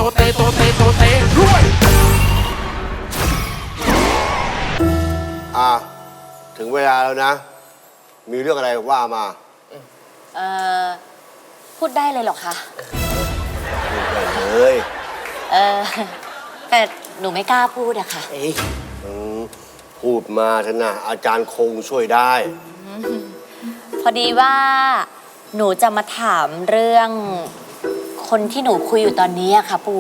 เตโตเตโตเตรวยถึงเวลาแล้วนะ มีเรื่องอะไรว่ามาพูดได้เลยเหรอคะพูดได้เลยแต่หนูไม่กล้าพูดอะค่ะพูดมาเถอะนะอาจารย์คงช่วยได้พอดีว่าหนูจะมาถามเรื่องคนที่หนูคุยอยู่ตอนนี้อะค่ะปู่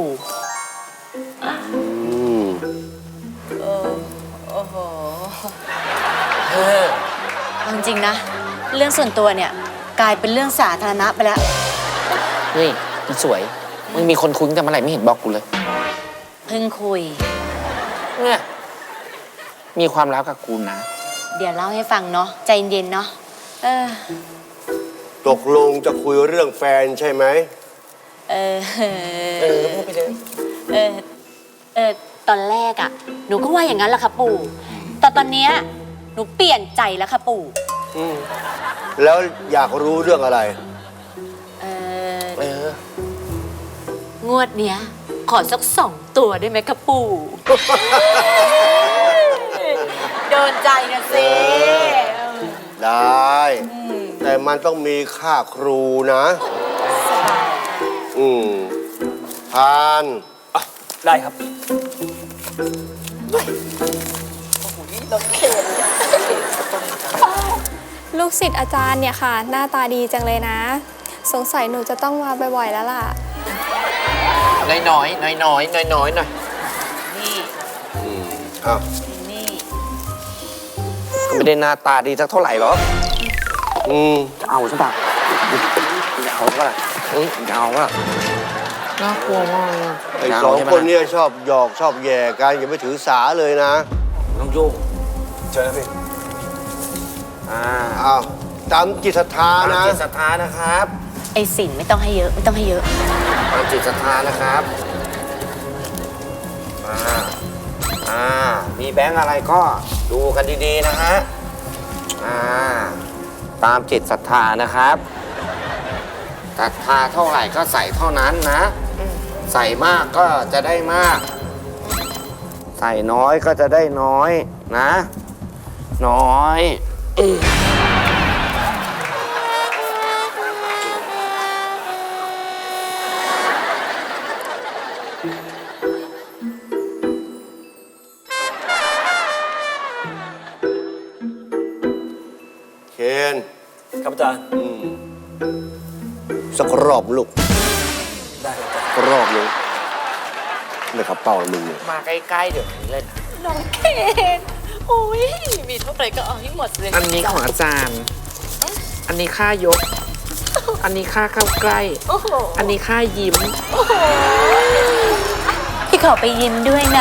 โอ้โหจริงๆนะเรื่องส่วนตัวเนี่ยกลายเป็นเรื่องสาธารณะไปแล้วเฮ้ยมันสวยมึงมีคนคุยแต่เมื่อไหร่ไม่เห็นบอกกูเลยเพิ่งคุยเนี่ยมีความลับกับกูนะเดี๋ยวเล่าให้ฟังเนาะใจเย็นๆเนาะตกลงจะคุยเรื่องแฟนใช่ไหมพูดไปเลยตอนแรกอะหนูก็ว่าอย่างนั้นแหละค่ะปู่แต่ตอนเนี้ยหนูเปลี่ยนใจแล้วค่ะปู่แล้วอยากรู้เรื่องอะไรงวดเนี้ยขอสัก2 ตัวได้ไหมคะปู่โดนใจนะสิได้แต่มันต้องมีค่าครูนะทานได้ครับลูกศิษย์อาจารย์เนี่ยค่ะหน้าตาดีจังเลยนะสงสัยหนูจะต้องมาบ่อยๆแล้วล่ะน้อยหน่อยนี่นี่ก็ไม่ได้หน้าตาดีสักเท่าไหร่หรอกจะเอาใช่ปะจะเอาก็ล่ะจะเอาก็น่ากลัวมากไอ้2 คนเนี่ยชอบหยอกชอบแย่กันอย่าไปถือสาเลยนะน้องโยงเจอแล้วพี่ตามจิตศรัทธานะจิตศรัทธานะครับไอ้สินไม่ต้องให้เยอะไม่ต้องให้เยอะตามจิตศรัทธานะครับมีแบงค์อะไรก็ดูกันดีๆนะฮะตามจิตศรัทธานะครับศรัทธาเท่าไหร่ก็ใส่เท่านั้นนะใส่มากก็จะได้มากใส่น้อยก็จะได้น้อยนะน้อยเคนครับอาจารย์สักรอบลูกได้สักรอบนึงเลยครับเป่าลุงเลยมาใกล้ๆเดี๋ยวนี้เลยน้องเคนโอ้ยมีเท่าไหร่ก็เอาให้หมดเลยอันนี้ของอาจารย์อันนี้ค่ายกอันนี้ค่าเข้าใกล้อันนี้ค่ายิ้มพี่ขอไปยิ้มด้วยนะ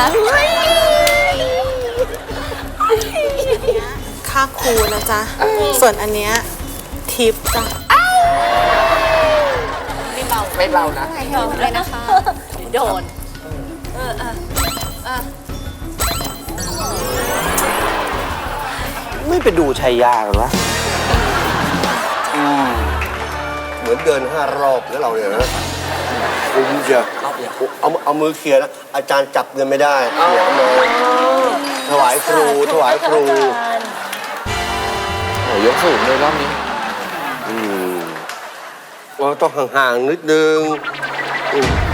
ค่าครูนะจ๊ะส่วนอันเนี้ยทิปจ้ะไม่เบานะไม่เบาเลยนะคะโดนไม่ไปดูชัยยาหรอวะเหมือนเดิน5 รอบแล้วเราเนี่ยนะคุ้มเชียวเอามือเขี่ยนะอาจารย์จับเงินไม่ได้เขี่ยมาถวายครูโอ้ยกสูงเลยรอบนี้เราต้องห่างๆนิดนึง